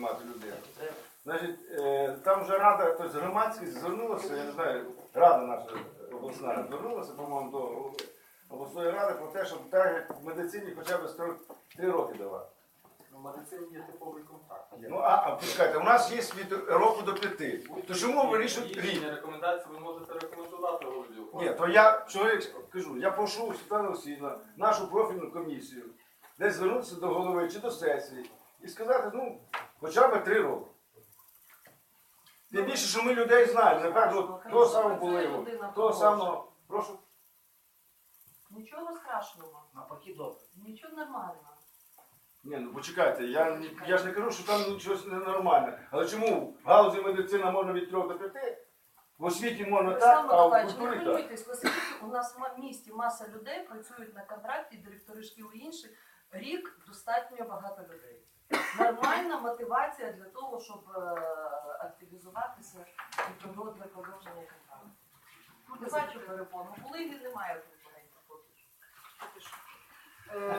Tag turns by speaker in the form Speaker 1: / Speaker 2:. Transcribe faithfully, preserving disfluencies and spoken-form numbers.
Speaker 1: приймати людину. Значить, е, там вже рада, тобто громадськість звернулася, я не знаю, рада наша обласна звернулася, по-моєму, до обласної ради про те, щоб так як в медицині хоча б три роки давати.
Speaker 2: В медицині є типовий контакт.
Speaker 1: Ну, а, а почекайте, у нас є від року до п'яти. То чому вирішують рік?
Speaker 2: Рішення, рекомендації ви можете рекомендувати голові.
Speaker 1: Ні, то я чоловік кажу, я прошу Світлану Васильівну, нашу профільну комісію, десь звернутися до голови чи до сесії і сказати, ну, хоча б три роки. Тим більше, що ми людей знаємо, не кажуть, того самого Булеєву, того самого, прошу.
Speaker 3: Нічого страшного,
Speaker 2: Навпаки, добре.
Speaker 3: нічого нормального.
Speaker 1: Ні, ну почекайте, я, я ж не кажу, що там щось ненормальне. Але чому в галузі медицина можна від трьох до п'яти? В освіті можна так,
Speaker 3: Олександр
Speaker 1: а в
Speaker 3: Миколаївич, не
Speaker 1: культурі так.
Speaker 3: хвилюйтесь, оскільки у нас в місті маса людей працюють на контракті, директори шкіл і інші. Рік достатньо багато людей. Нормальна мотивація для того, щоб е, активізуватися і продовжувати для продовження контракту. Не бачу перепону. Були і немає тут.